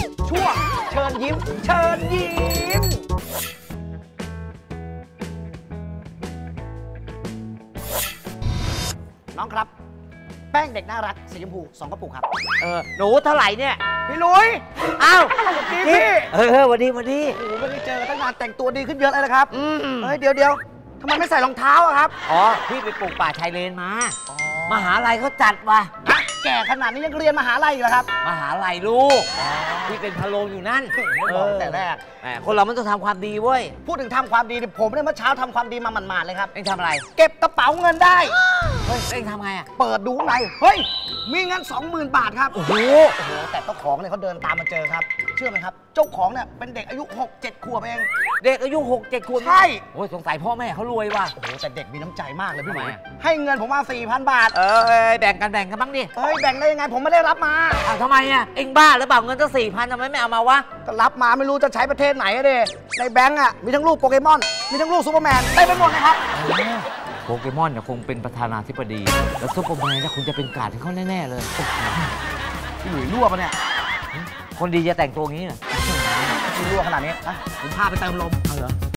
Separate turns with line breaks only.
ช่วงเชิญยิ้มเชิญยิ้มน้องครับแป้งเด็กน่ารักสีชมพู2 กระปุกครับ
หนูเท่าไหร่เนี่ย
พี่ลุย
อ้าว
ดีพี่
วันดี
โอ้โหไม่ได้เจอกันตั้งนานแต่งตัวดีขึ้นเยอะเลยนะครับเฮ้ยเดี๋ยวทำไมไม่ใส่รองเท้าอะครับ
อ๋อพี่ไปปลูกป่าชายเลนมามหาลัยเขาจัดว่ะ
แก่ขนาดนี้ยังเรียนมหาลัยอยู่เหรอครับ
มหาลัยลูกพี่เป็นพะโลงอยู่นั่น
แต่แรก
คนเรามันต้องทำความดีเว้ย
พูดถึงทำความดีผมเนี่ยเมื่อเช้าทำความดีมาหมาดๆเลยครับ
เอ็งทำอะไร
เก็บกระเป๋าเงินได้
เฮ้ยเอ็งทำไงอ่ะ
เปิดดูข้างในเฮ้ยมีเงิน 20,000 บาทครับ
โอ้โห
แต่เจ้าของเนี่ยเขาเดินตามมาเจอครับเชื่อไหมครับเจ้าของเนี่ยเป็นเด็กอายุ 6-7 ขวบเอง
เด็กอายุ6-7 ขวบ
ใช่
โอ้ยสงสัยพ่อแม่เขารวยว่ะ
โอ้โหแต่เด็กมีน้ำใจมากเลยพี่หนุ่ยให้เงินผมมา 4,000 บาท
แบ่งกันบ้างดิ
เฮ้ยแบ่งได้ยังไงผมไม่ได้รับมา
ทำไมอ่ะเอ็งบ้าหรือเปล่าเงินตั้ง4,000ทำไมไม่เอามาวะ
ก็รับมาไม่รู้จะใช้ประเทศไหนอะเด้ในแบงก์อ่ะมีทั้งรูปโปเกมอนมีทั้งรูปซูเปอร์แมนได้ไปหมดเลยครับ
โปเกมอนเนี่ยคงเป็นประธานาธิบดีแล้วซูเปอร์แมนเนี่ยคงจะเป็นการ์ดให้เขาแน่ๆเลย
พี่หลุยรั่วปะเนี่ย
คนดีจะแต่งตัวงี้เหรอ
พี่รั่วขนาดนี้ผมพาไปเติมลม
เหรอ